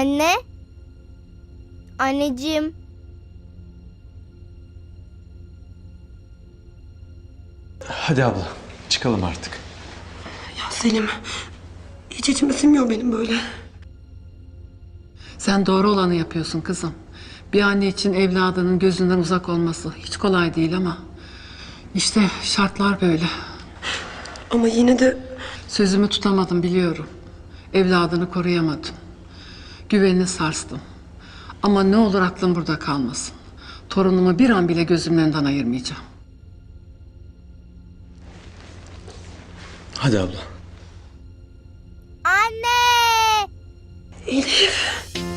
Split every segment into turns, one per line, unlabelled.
Anne? Anneciğim.
Hadi abla, çıkalım artık.
Ya Selim, hiç içime sinmiyor benim böyle.
Sen doğru olanı yapıyorsun kızım. Bir anne için evladının gözünden uzak olması hiç kolay değil ama işte şartlar böyle.
Ama yine de
Sözümü tutamadım biliyorum. Evladını koruyamadım. Güvenini sarstım. Ama ne olur aklın burada kalmasın. Torunumu bir an bile gözümün önünden ayırmayacağım.
Hadi abla.
Anne!
Elif.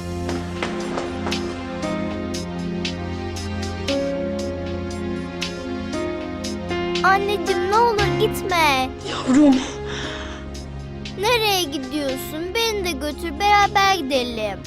Anneciğim ne olur gitme.
Yavrum.
Nereye gidiyorsun? Beni de götür, beraber gidelim.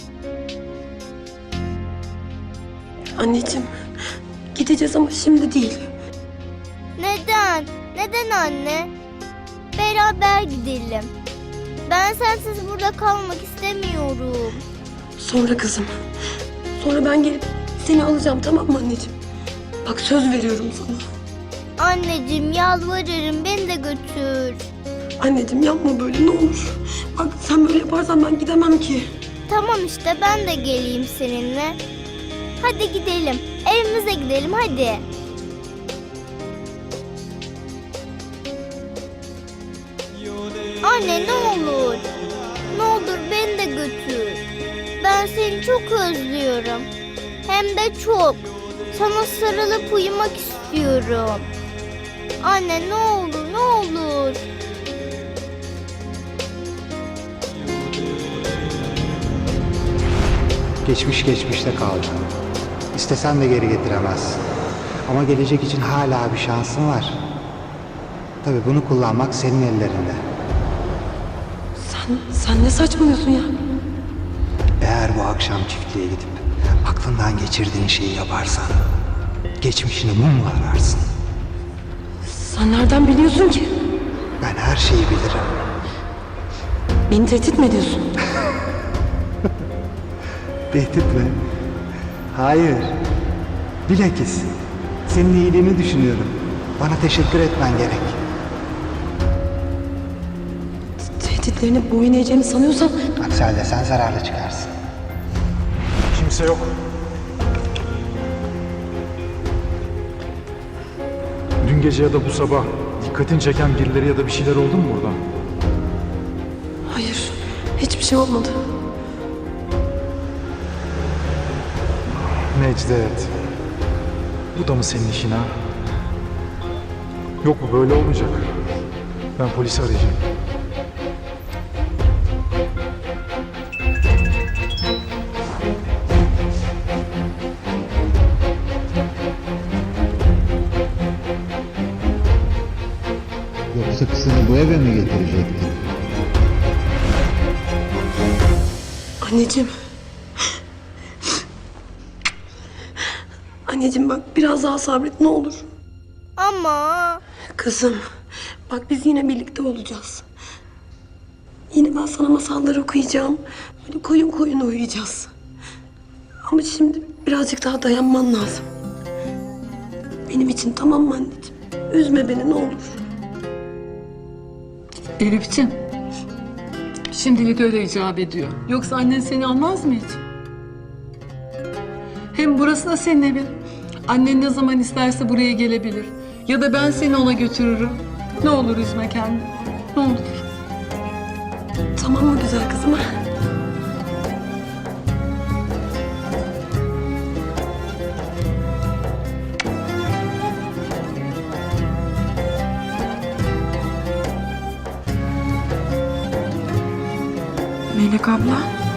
Anneciğim, gideceğiz ama şimdi değil.
Neden? Neden anne? Beraber gidelim. Ben sensiz burada kalmak istemiyorum.
Sonra kızım. Sonra ben gelip seni alacağım, tamam mı anneciğim? Bak söz veriyorum sana.
Anneciğim yalvarırım, beni de götür.
Anneciğim yapma böyle, ne olur. Bak sen böyle yaparsan ben gidemem ki.
Tamam işte, ben de geleyim seninle. Hadi gidelim. Evimize gidelim hadi. Anne ne olur. Ne olur beni de götür. Ben seni çok özlüyorum. Hem de çok. Sana sarılıp uyumak istiyorum. Anne ne olur, ne olur.
Geçmiş geçmişte kaldı. İstesen de geri getiremezsin. Ama gelecek için hala bir şansın var. Tabii bunu kullanmak senin ellerinde.
Sen ne saçmalıyorsun ya?
Eğer bu akşam çiftliğe gidip aklından geçirdiğin şeyi yaparsan geçmişini mumla ararsın.
Sen nereden biliyorsun ki?
Ben her şeyi bilirim.
Beni tehdit mi ediyorsun?
Tehdit mi? Hayır. Bilakis senin iyiliğini düşünüyorum. Bana teşekkür etmen gerek.
Tehditlerine boyun eğeceğimi sanıyorsan
Aksi halde sen zararlı çıkarsın.
Kimse yok.
Dün gece ya da bu sabah dikkatini çeken birileri ya da bir şeyler oldu mu burada?
hayır, hiçbir şey olmadı.
Necdet. Bu da mı senin işin ha? Yok bu böyle olmayacak. Ben polisi arayacağım.
Yoksa kızını bu eve mi getirecektin?
Anneciğim. Anneciğim bak biraz daha sabret ne olur.
Ama
Kızım bak biz yine birlikte olacağız. Yine ben sana masallar okuyacağım. Böyle koyun koyun uyuyacağız. Ama şimdi birazcık daha dayanman lazım. Benim için tamam mı anneciğim? Üzme beni ne olur.
Elif'ciğim, şimdilik öyle icap ediyor. Yoksa annen seni almaz mı hiç? Hem burası da senin evin. Annen ne zaman isterse buraya gelebilir. Ya da ben seni ona götürürüm. Ne olur üzme kendini. Ne olur.
Tamam mı güzel kızım? Melek abla.